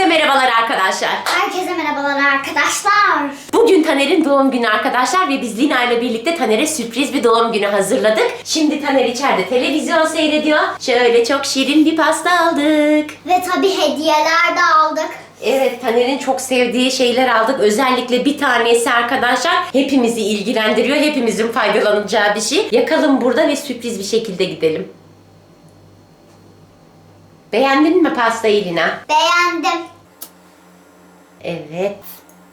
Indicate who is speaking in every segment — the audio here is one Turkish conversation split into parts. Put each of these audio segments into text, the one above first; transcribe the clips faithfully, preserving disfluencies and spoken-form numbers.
Speaker 1: merhabalar arkadaşlar.
Speaker 2: Herkese merhabalar arkadaşlar.
Speaker 1: Bugün Taner'in doğum günü arkadaşlar ve biz Lina ile birlikte Taner'e sürpriz bir doğum günü hazırladık. Şimdi Taner içeride televizyon seyrediyor. Şöyle çok şirin bir pasta aldık.
Speaker 2: Ve tabii hediyeler de aldık.
Speaker 1: Evet, Taner'in çok sevdiği şeyler aldık. Özellikle bir tanesi arkadaşlar hepimizi ilgilendiriyor. Hepimizin faydalanacağı bir şey. Yakalım burada ve sürpriz bir şekilde gidelim. Beğendin mi pastayı Lina?
Speaker 2: Beğendim.
Speaker 1: Evet.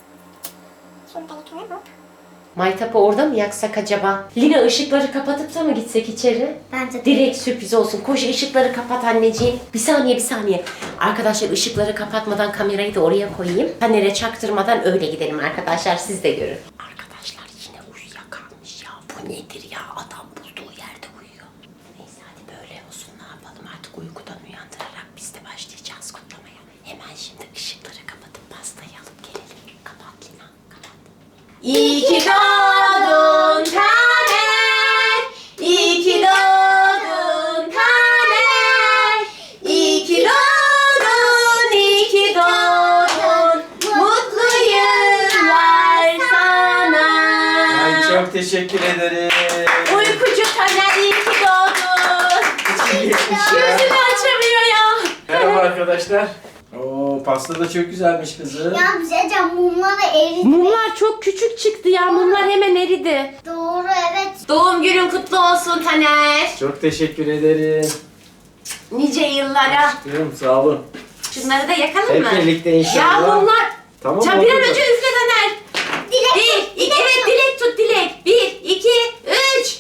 Speaker 1: Maytap'ı orada mı yaksak acaba? Lina ışıkları kapatıp da mı gitsek içeri?
Speaker 2: Bence de.
Speaker 1: Direkt sürpriz olsun. Koş ışıkları kapat anneciğim. Bir saniye bir saniye. Arkadaşlar ışıkları kapatmadan kamerayı da oraya koyayım. Taner'e çaktırmadan öyle gidelim arkadaşlar. Siz de görün. Arkadaşlar yine uyuyakalmış ya. Bu nedir ya? Adam bulduğu yerde uyuyor. Neyse hadi böyle olsun. Ne yapalım artık uykudan uyandırarak biz de başlayacağız kutlamaya. Hemen şimdi ışıkları kapatıp pastayı alıp gelelim. Kapat Lina. Kapat. İyi ki doğdun Taner. İyi ki doğdun Taner. İyi ki doğdun, iyi ki doğdun. Mutlu yıllar sana.
Speaker 3: Ay çok teşekkür ederim.
Speaker 1: Uykucu Taner, iyi ki doğdun.
Speaker 3: İçim geçmiş ya.
Speaker 1: Gözünü açamıyor ya.
Speaker 3: Merhaba arkadaşlar. Oo pasta da çok güzelmiş kızım.
Speaker 2: Ya bize mumları eridi.
Speaker 1: Mumlar çok küçük çıktı ya. Mumlar hemen eridi.
Speaker 2: Doğru, evet.
Speaker 1: Doğum günün kutlu olsun Taner.
Speaker 3: Çok teşekkür ederim.
Speaker 1: Nice yıllara.
Speaker 3: Aşkım sağ olun.
Speaker 1: Şunları da yakalım
Speaker 3: Hep
Speaker 1: mı?
Speaker 3: birlikte
Speaker 1: Ya
Speaker 3: inşallah.
Speaker 1: mumlar.
Speaker 3: Tamam
Speaker 1: Sen
Speaker 3: oldu
Speaker 1: bir an
Speaker 3: da.
Speaker 1: önce üfle Taner.
Speaker 2: Dilek
Speaker 1: Bir,
Speaker 2: tut,
Speaker 1: iki,
Speaker 2: dilek
Speaker 1: evet
Speaker 2: tut.
Speaker 1: dilek tut dilek. Bir, iki, üç.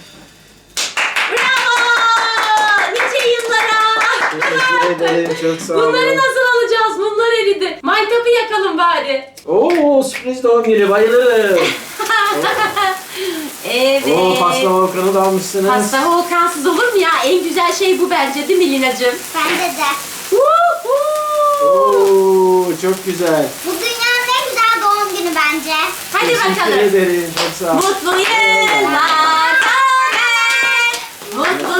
Speaker 1: Bravo! Nice yıllara.
Speaker 3: Teşekkür ederim çok sağ olun.
Speaker 1: Bunları nasıl alacağız? Bunlar eridi. Maytap'ı yakalım bari.
Speaker 3: Oo sürpriz doğum günü bayılırım.
Speaker 1: Evet.
Speaker 3: Oo pasta volkanı da almışsınız.
Speaker 1: Pasta volkansız olur mu ya? En güzel şey bu bence değil mi Lina'cığım?
Speaker 2: Bence de.
Speaker 1: Woohoo!
Speaker 3: Oo çok güzel.
Speaker 2: Bu dünyanın en güzel doğum günü bence.
Speaker 1: Hadi
Speaker 3: Teşekkür
Speaker 1: bakalım.
Speaker 3: ederim çok sağ olun.
Speaker 1: Mutlu yıllar Taner. Mutlu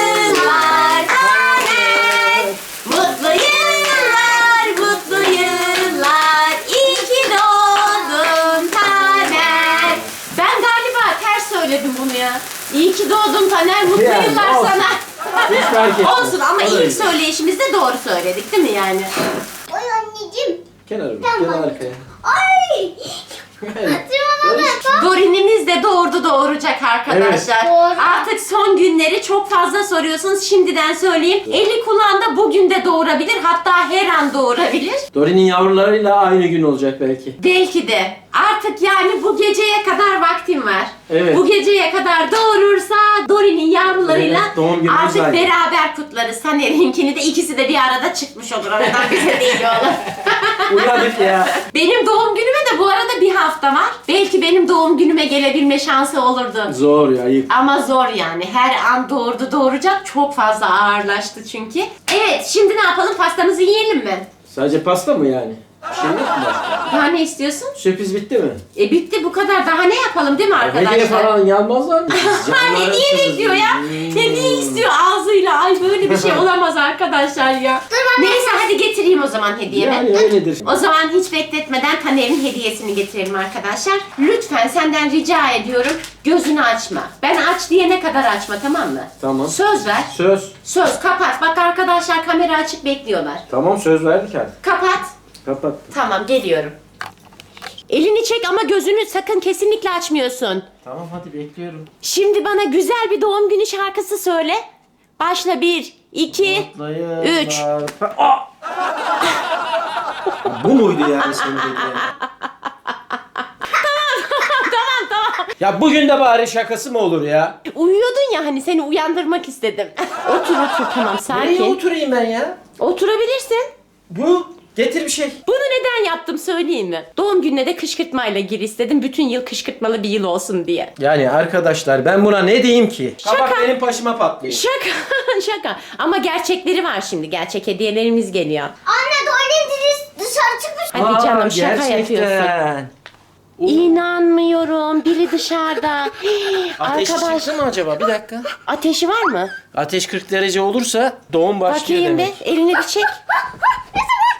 Speaker 1: yıllar Taner. Mutlu yıllar, mutlu yıllar. İyi ki doğdun Taner. Ben galiba ters söyledim bunu ya. İyi ki doğdun Taner. Mutlu
Speaker 3: Yani,
Speaker 1: yıllar
Speaker 3: olsun.
Speaker 1: sana.
Speaker 3: Hiç fark etmez.
Speaker 1: Olsun ama
Speaker 3: O da
Speaker 1: ilk
Speaker 3: iyi.
Speaker 1: söyleyişimizde doğru söyledik değil mi yani?
Speaker 2: Oy anneciğim.
Speaker 3: Kenara bir,
Speaker 2: Tamam.
Speaker 3: kenar arkaya.
Speaker 2: Ay.
Speaker 3: Evet.
Speaker 2: Tırmana da.
Speaker 1: Dorin'imiz de doğurdu doğuracak arkadaşlar.
Speaker 2: Evet. Doğru.
Speaker 1: Artık son günleri çok fazla soruyorsunuz. Şimdiden söyleyeyim. Eli kulağında bugün de doğurabilir. Hatta her an doğurabilir.
Speaker 3: Dorin'in yavrularıyla aynı gün olacak belki.
Speaker 1: Belki de. Artık yani bu geceye kadar vaktim var.
Speaker 3: Evet.
Speaker 1: Bu geceye kadar doğurursa Dorin'in yavrularıyla
Speaker 3: Evet, doğum günümüz
Speaker 1: artık
Speaker 3: aynı.
Speaker 1: beraber kutlarız. Taner'inkini de ikisi de bir arada çıkmış olur. Oradan bize değil olur.
Speaker 3: Uyanık ya.
Speaker 1: Benim doğum günüme de bu arada bir hafta var. Belki benim doğum günüme gelebilme şansı olurdu.
Speaker 3: Zor ya, ayıp.
Speaker 1: Ama zor yani. Her an doğurdu doğuracak. Çok fazla ağırlaştı çünkü. Evet, şimdi ne yapalım? Pastamızı yiyelim mi?
Speaker 3: Sadece pasta mı yani? Bir şey yok mu başka?
Speaker 1: Daha ne istiyorsun?
Speaker 3: Sürpriz bitti mi?
Speaker 1: E bitti bu kadar. Daha ne yapalım değil mi arkadaşlar?
Speaker 3: Hediye falan gelmezler mi?
Speaker 1: Ha, hediye bekliyor ya. Hediye istiyor ağzıyla. Ay böyle bir şey olamaz arkadaşlar ya. Neyse hadi getireyim o zaman hediyemi.
Speaker 3: Yani öyledir.
Speaker 1: O zaman hiç bekletmeden Taner'in hediyesini getirelim arkadaşlar. Lütfen senden rica ediyorum gözünü açma. Ben aç diyene kadar açma, tamam mı?
Speaker 3: Tamam.
Speaker 1: Söz ver.
Speaker 3: Söz.
Speaker 1: Söz kapat. Bak arkadaşlar kamera açık bekliyorlar.
Speaker 3: Tamam söz verdik artık.
Speaker 1: Kapat.
Speaker 3: Kapattım.
Speaker 1: Tamam geliyorum. Elini çek ama gözünü sakın kesinlikle açmıyorsun.
Speaker 3: Tamam hadi bekliyorum.
Speaker 1: Şimdi bana güzel bir doğum günü şarkısı söyle. Başla bir, iki,
Speaker 3: Mutlu yıllar.
Speaker 1: üç.
Speaker 3: Ha, aa! Bu muydu yani senin dediğin?
Speaker 1: Tamam tamam.
Speaker 3: Ya bugün de bari şakası mı olur ya?
Speaker 1: Uyuyordun ya hani seni uyandırmak istedim. Otur otur tamam
Speaker 3: Nereye
Speaker 1: sakin.
Speaker 3: oturayım ben ya?
Speaker 1: Oturabilirsin.
Speaker 3: Bu getir bir şey.
Speaker 1: Bunu neden yaptım söyleyeyim mi? Doğum gününe de kışkırtmayla gir istedim. Bütün yıl kışkırtmalı bir yıl olsun diye.
Speaker 3: Yani arkadaşlar ben buna ne diyeyim ki?
Speaker 1: Şaka.
Speaker 3: Kabak benim başıma patlıyor.
Speaker 1: Şaka şaka. Ama gerçekleri var şimdi. Gerçek hediyelerimiz geliyor.
Speaker 2: Anne tuvalet dışarı çıkmış.
Speaker 1: Hadi
Speaker 3: Aa,
Speaker 1: canım şaka
Speaker 3: gerçekten.
Speaker 1: yapıyorsun.
Speaker 3: O-
Speaker 1: İnanmıyorum. Biri dışarıda.
Speaker 3: Ateş
Speaker 1: Arkadaş
Speaker 3: çıktı mı acaba? Bir dakika.
Speaker 1: ateşi var mı?
Speaker 3: Ateş kırk derece olursa doğum başlıyor
Speaker 1: Bakayım
Speaker 3: demek.
Speaker 1: bir. Elini bir çek.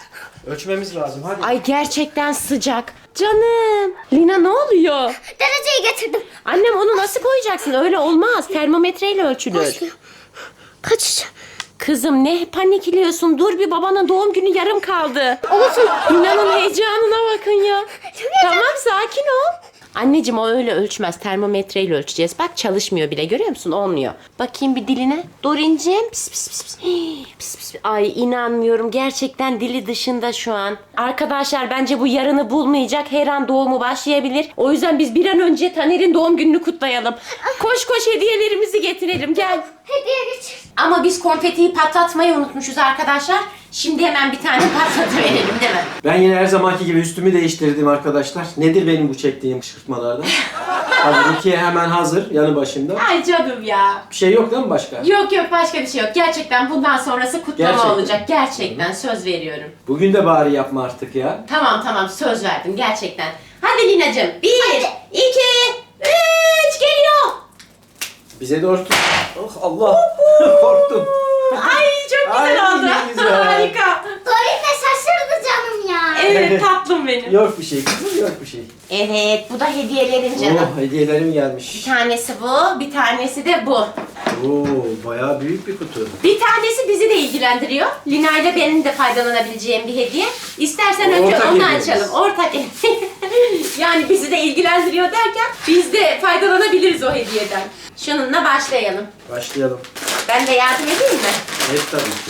Speaker 3: Ölçmemiz lazım hadi.
Speaker 1: Ay gerçekten sıcak. Canım. Lina ne oluyor?
Speaker 2: Dereceyi getirdim.
Speaker 1: Annem onu nasıl koyacaksın? Öyle olmaz. Termometreyle ölçülür.
Speaker 2: Kaç?
Speaker 1: Kızım ne panikliyorsun? Dur bir, babanın doğum günü yarım kaldı.
Speaker 2: Olsun.
Speaker 1: Lina'nın heyecanına bakın ya. Tamam sakin ol. Anneciğim o öyle ölçmez. Termometreyle ölçeceğiz. Bak çalışmıyor bile, görüyor musun? Olmuyor. Bakayım bir diline. Dorincim. Pis pis pis pis. Hii, pis pis. Ay inanmıyorum. Gerçekten dili dışında şu an. Arkadaşlar bence bu yarını bulmayacak. Her an doğumu başlayabilir. O yüzden biz bir an önce Taner'in doğum gününü kutlayalım. Koş koş hediyelerimizi getirelim. Gel.
Speaker 2: Hediye getir.
Speaker 1: Ama biz konfetiyi patlatmayı unutmuşuz arkadaşlar. Şimdi hemen bir tane patlatıverelim değil mi?
Speaker 3: Ben yine her zamanki gibi üstümü değiştirdim arkadaşlar. Nedir benim bu çektiğim kışkırtmalardan? Hadi Rukiye hemen hazır yanı başımda.
Speaker 1: Ay canım ya.
Speaker 3: Bir şey yok değil mi başka?
Speaker 1: Yok yok, başka bir şey yok. Gerçekten bundan sonrası kutlama
Speaker 3: Gerçekten.
Speaker 1: olacak. Gerçekten söz veriyorum.
Speaker 3: Bugün de bari yapma artık ya.
Speaker 1: Tamam tamam, söz verdim gerçekten. Hadi Lina'cığım. Bir, iki, üç, geliyor.
Speaker 3: Bize doğru tut. Oh Allah. Korktum.
Speaker 1: Ay çok güzel
Speaker 3: Ay,
Speaker 1: oldu.
Speaker 3: ne güzel.
Speaker 1: Harika.
Speaker 2: Dorin de şaşırdı canım ya.
Speaker 1: Evet tatlım benim.
Speaker 3: Yok bir şey kızım, yok bir şey.
Speaker 1: Evet, bu da hediyelerin canım.
Speaker 3: Oh hediyelerim
Speaker 1: Bir
Speaker 3: gelmiş.
Speaker 1: tanesi bu, bir tanesi de bu.
Speaker 3: Oo bayağı büyük bir kutu.
Speaker 1: Bir tanesi bizi de ilgilendiriyor. Lina ile benim de faydalanabileceğim bir hediye. İstersen önce
Speaker 3: Ortak
Speaker 1: onu
Speaker 3: hediyemiz.
Speaker 1: açalım. Ortak yani bizi de ilgilendiriyor derken biz de faydalanabiliriz o hediyeden. Şununla başlayalım.
Speaker 3: Başlayalım.
Speaker 1: Ben de yardım edeyim mi?
Speaker 3: Evet tabii ki.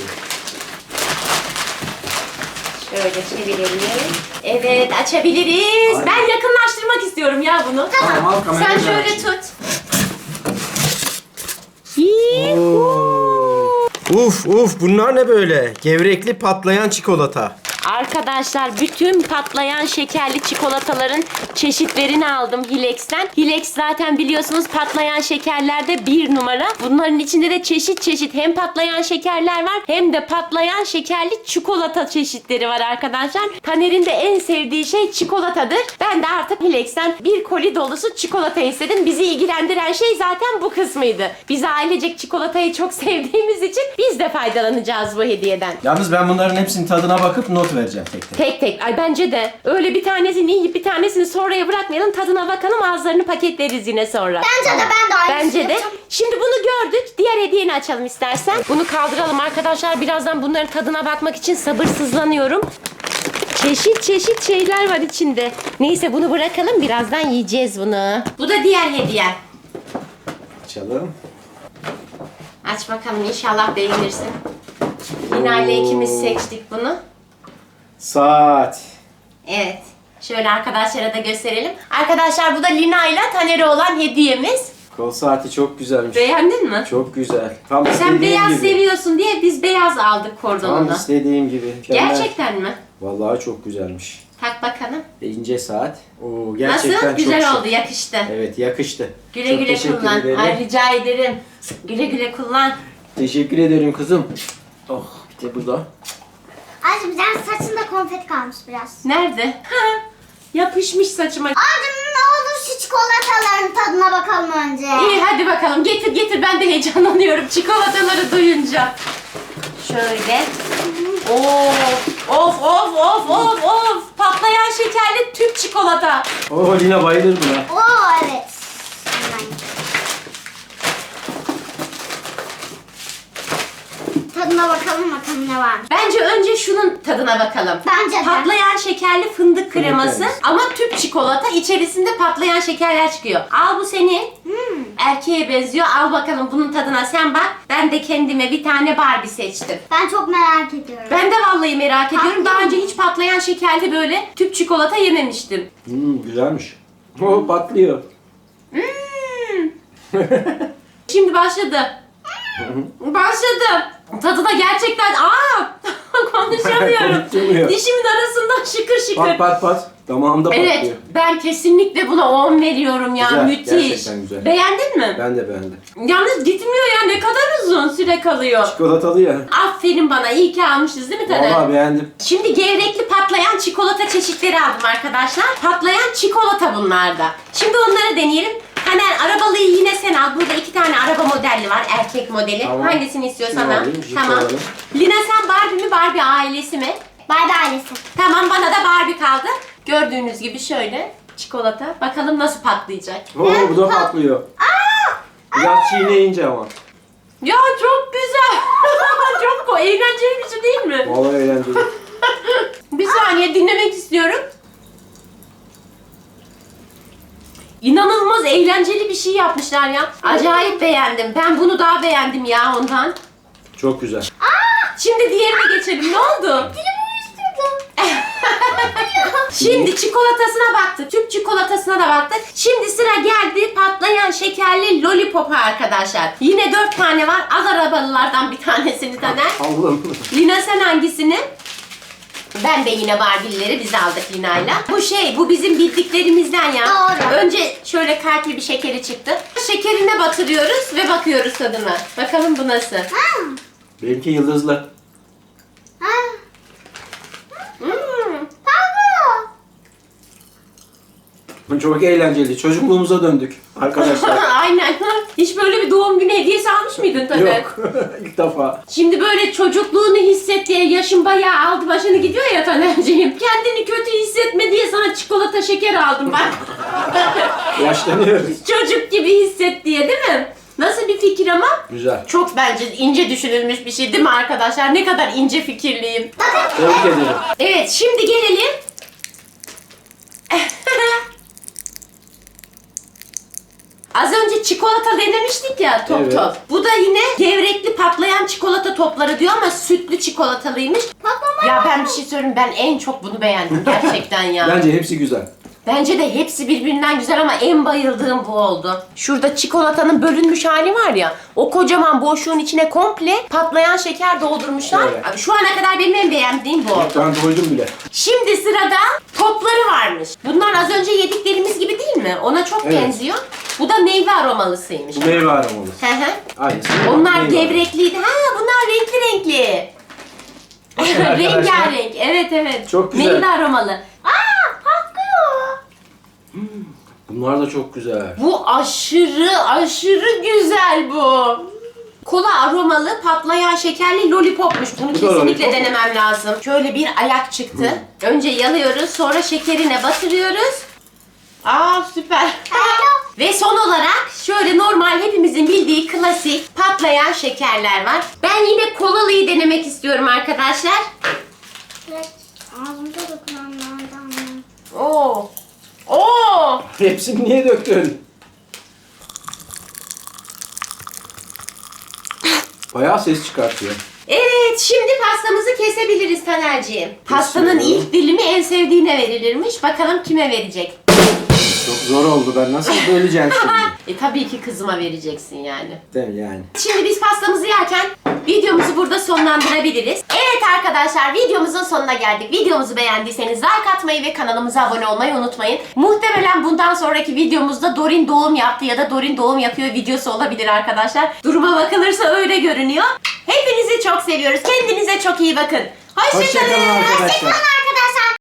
Speaker 1: Şöyle çevirelim. Evet, açabiliriz.
Speaker 3: Ay.
Speaker 1: Ben yakınlaştırmak istiyorum ya bunu.
Speaker 3: Tamam, al kamerayı,
Speaker 1: Sen
Speaker 3: ben
Speaker 1: şöyle
Speaker 3: açayım.
Speaker 1: tut. Yuhuu.
Speaker 3: Uf uf bunlar ne böyle? Gevrekli patlayan çikolata.
Speaker 1: Arkadaşlar bütün patlayan şekerli çikolataların çeşitlerini aldım Hilex'ten. Hilex zaten biliyorsunuz patlayan şekerlerde bir numara. Bunların içinde de çeşit çeşit hem patlayan şekerler var hem de patlayan şekerli çikolata çeşitleri var arkadaşlar. Taner'in de en sevdiği şey çikolatadır. Ben de artık Hilex'ten bir koli dolusu çikolata istedim. Bizi ilgilendiren şey zaten bu kısmıydı. Biz ailecek çikolatayı çok sevdiğimiz için biz de faydalanacağız bu hediyeden.
Speaker 3: Yalnız ben bunların hepsinin tadına bakıp not vereceğim tek tek.
Speaker 1: Tek tek. Ay bence de. Öyle bir tanesini yiyip bir tanesini sonraya bırakmayalım. Tadına bakalım, ağızlarını paketleriz yine sonra.
Speaker 2: Bence de ben de aynısını
Speaker 1: Bence de.
Speaker 2: yapacağım.
Speaker 1: Şimdi bunu gördük. Diğer hediyeni açalım istersen. Bunu kaldıralım arkadaşlar. Birazdan bunların tadına bakmak için sabırsızlanıyorum. Çeşit çeşit şeyler var içinde. Neyse bunu bırakalım. Birazdan yiyeceğiz bunu. Bu da diğer hediye.
Speaker 3: Açalım.
Speaker 1: Aç bakalım, inşallah beğenirsin. Lina ile ikimiz seçtik bunu.
Speaker 3: Saat.
Speaker 1: Evet. Şöyle arkadaşlara da gösterelim. Arkadaşlar bu da Lina ile Taner'e olan hediyemiz.
Speaker 3: Kol saati çok güzelmiş.
Speaker 1: Beğendin mi?
Speaker 3: Çok güzel. Tam
Speaker 1: Sen
Speaker 3: istediğim
Speaker 1: beyaz
Speaker 3: gibi.
Speaker 1: seviyorsun diye biz beyaz aldık
Speaker 3: Tam
Speaker 1: kordonunu.
Speaker 3: istediğim gibi. Mükemmel.
Speaker 1: Gerçekten mi?
Speaker 3: Vallahi çok güzelmiş.
Speaker 1: Tak bakalım.
Speaker 3: E, ince saat. Oo gerçekten
Speaker 1: Nasıl?
Speaker 3: çok
Speaker 1: Güzel
Speaker 3: şık.
Speaker 1: oldu, yakıştı.
Speaker 3: Evet yakıştı.
Speaker 1: Güle
Speaker 3: Çok
Speaker 1: güle
Speaker 3: teşekkür
Speaker 1: kullan.
Speaker 3: ederim.
Speaker 1: Ay rica ederim. Güle güle kullan.
Speaker 3: Teşekkür ederim kızım. Oh bir de bu da.
Speaker 2: Azıcık bir tane saçında konfeti kalmış biraz.
Speaker 1: Nerede? Ha, yapışmış saçıma.
Speaker 2: Azıcık ne olur şu çikolataların tadına bakalım önce.
Speaker 1: İyi hadi bakalım, getir getir, ben de heyecanlanıyorum çikolataları duyunca. Şöyle. Of of of of of of. Patlayan şekerli Türk çikolata.
Speaker 3: Oh Lina bayılır buna.
Speaker 2: Oo evet. Hemen. Tadına bakalım bakalım ne var.
Speaker 1: Bence önce şunun tadına bakalım.
Speaker 2: Bence de.
Speaker 1: Patlayan şekerli fındık kreması
Speaker 3: kreması.
Speaker 1: ama tüp çikolata, içerisinde patlayan şekerler çıkıyor. Al bu senin.
Speaker 2: Hmm.
Speaker 1: Erkeğe benziyor. Al bakalım bunun tadına sen bak. Ben de kendime bir tane Barbie seçtim.
Speaker 2: Ben çok merak ediyorum.
Speaker 1: Ben de vallahi merak ediyorum.
Speaker 2: Tatlı
Speaker 1: Daha
Speaker 2: mı?
Speaker 1: önce hiç patlayan şekerli böyle tüp çikolata yememiştim.
Speaker 3: Hmm, güzelmiş. Oh patlıyor.
Speaker 1: Hmm. Şimdi başladı. Başladı. Tadı da gerçekten aa konuşamıyorum.
Speaker 3: Konuşamıyor.
Speaker 1: Dişimin arasından şıkır şıkır.
Speaker 3: Pat pat pat. Damağımda
Speaker 1: Evet,
Speaker 3: patlıyor.
Speaker 1: ben kesinlikle buna on veriyorum ya.
Speaker 3: Güzel,
Speaker 1: Müthiş.
Speaker 3: gerçekten güzel.
Speaker 1: Beğendin mi?
Speaker 3: Ben de beğendim.
Speaker 1: Yalnız gitmiyor ya, ne kadar uzun süre kalıyor.
Speaker 3: Çikolatalı ya.
Speaker 1: Aferin bana, iyi ki almışız değil mi Taner?
Speaker 3: Vallahi beğendim.
Speaker 1: Şimdi gevrekli patlayan çikolata çeşitleri aldım arkadaşlar. Patlayan çikolata bunlar da. Şimdi onları deneyelim. Taner arabalıyı yine sen al. Burada iki tane araba modelli var. Erkek modeli.
Speaker 3: Tamam.
Speaker 1: Hangisini istiyorsan
Speaker 3: Şunu
Speaker 1: al.
Speaker 3: alayım, Jeep
Speaker 1: Tamam.
Speaker 3: alalım.
Speaker 1: Lina sen Barbie mi, Barbie ailesi mi?
Speaker 2: Barbie ailesi.
Speaker 1: Tamam, bana da Barbie kaldı. Gördüğünüz gibi şöyle çikolata. Bakalım nasıl patlayacak.
Speaker 3: Oo, bu da patlıyor. Biraz çiğneyince ama.
Speaker 1: Ya çok güzel. Çok ko- eğlenceli bir şey değil mi?
Speaker 3: Vallahi eğlenceli.
Speaker 1: Bir saniye dinlemek istiyorum. İnanılmaz eğlenceli bir şey yapmışlar ya. Acayip beğendim. Ben bunu daha beğendim ya ondan.
Speaker 3: Çok güzel.
Speaker 1: Şimdi diğerine geçelim. Ne oldu?
Speaker 2: Dilimi uyuşturdum.
Speaker 1: Şimdi çikolatasına baktık. Türk çikolatasına da baktık. Şimdi sıra geldi patlayan şekerli lollipopa arkadaşlar. Yine dört tane var. Al arabalılardan bir tanesini Taner.
Speaker 3: Allah'ım.
Speaker 1: Lina sen hangisini? Ben de yine Barbie'lileri biz aldık Lina'yla. Bu şey, bu bizim bildiklerimizden ya.
Speaker 2: Doğru.
Speaker 1: Önce şöyle kalpli bir şekeri çıktı. Şekerine batırıyoruz ve bakıyoruz tadına. Bakalım bu nasıl?
Speaker 2: Ha.
Speaker 3: Benimki yıldızlı.
Speaker 2: Ha.
Speaker 1: Hmm.
Speaker 2: Pablo.
Speaker 3: Çok eğlenceli. Çocukluğumuza döndük arkadaşlar.
Speaker 1: Aynen. Hiç böyle bir doğum günü hediyesi almış mıydın Taner?
Speaker 3: Yok. İlk defa.
Speaker 1: Şimdi böyle çocukluğunu hisset diye yaşın bayağı aldı başını gidiyor ya Taner'ciğim. Kendini kötü hissetme diye sana çikolata şeker aldım bak.
Speaker 3: Yaşlanıyoruz.
Speaker 1: Çocuk gibi hisset diye değil mi? Nasıl bir fikir ama?
Speaker 3: Güzel.
Speaker 1: Çok bence ince düşünülmüş bir şey değil mi arkadaşlar? Ne kadar ince fikirliyim.
Speaker 3: Tebrik ederim.
Speaker 1: Evet, şimdi gelelim. Az önce çikolata denemiştik ya top
Speaker 3: Evet.
Speaker 1: top. Bu da yine gevrekli patlayan çikolata topları diyor ama sütlü çikolatalıymış.
Speaker 2: Patlama.
Speaker 1: Ya ben bir şey söyleyeyim, ben en çok bunu beğendim gerçekten ya.
Speaker 3: Bence hepsi güzel.
Speaker 1: Bence de hepsi birbirinden güzel ama en bayıldığım bu oldu. Şurada çikolatanın bölünmüş hali var ya. O kocaman boşluğun içine komple patlayan şeker doldurmuşlar.
Speaker 3: Evet.
Speaker 1: Abi şu ana kadar benim en beğendiğim bu oldu.
Speaker 3: Ben doydum bile.
Speaker 1: Şimdi sırada topları varmış. Bunlar az önce yediklerimiz gibi değil mi? Ona çok
Speaker 3: Evet.
Speaker 1: benziyor. Bu da meyve aromalısıymış.
Speaker 3: Bu meyve aromalı.
Speaker 1: Hı hı.
Speaker 3: Aynısı.
Speaker 1: Onlar
Speaker 3: Meyve
Speaker 1: gevrekliydi. Ha, bunlar renkli renkli.
Speaker 3: Arkadaşlar.
Speaker 1: Rengarenk. Evet evet.
Speaker 3: Çok güzel.
Speaker 1: Meyve aromalı.
Speaker 2: Aa, patlıyor.
Speaker 3: Bunlar da çok güzel.
Speaker 1: Bu aşırı aşırı güzel bu. Kola aromalı patlayan şekerli lollipopmuş. Bunu
Speaker 3: Bu da
Speaker 1: kesinlikle
Speaker 3: lollipop.
Speaker 1: denemem lazım. Şöyle bir ayak çıktı. Önce yalıyoruz, sonra şekerine batırıyoruz. Aa süper. Ve son olarak şöyle normal hepimizin bildiği klasik patlayan şekerler var. Ben yine kolalıyı denemek istiyorum arkadaşlar.
Speaker 2: Evet. Ağzımda dokunan
Speaker 1: Oo. Oo.
Speaker 3: Hepsini niye döktün? Bayağı ses çıkartıyor.
Speaker 1: Evet, şimdi pastamızı kesebiliriz Taner'ciğim. Pastanın
Speaker 3: Kesiyorum.
Speaker 1: ilk dilimi en sevdiğine verilirmiş. Bakalım kime verecek?
Speaker 3: Çok zor oldu. Ben nasıl böleceğim şimdi?
Speaker 1: E tabii ki kızıma vereceksin yani.
Speaker 3: Değil mi yani?
Speaker 1: Şimdi biz pastamızı yerken videomuzu burada sonlandırabiliriz. Evet arkadaşlar, videomuzun sonuna geldik. Videomuzu beğendiyseniz like atmayı ve kanalımıza abone olmayı unutmayın. Muhtemelen bundan sonraki videomuzda Dorin doğum yaptı ya da Dorin doğum yapıyor videosu olabilir arkadaşlar. Duruma bakılırsa öyle görünüyor. Hepinizi çok seviyoruz. Kendinize çok iyi bakın. Hoşçakalın.
Speaker 3: Hoşçakalın arkadaşlar.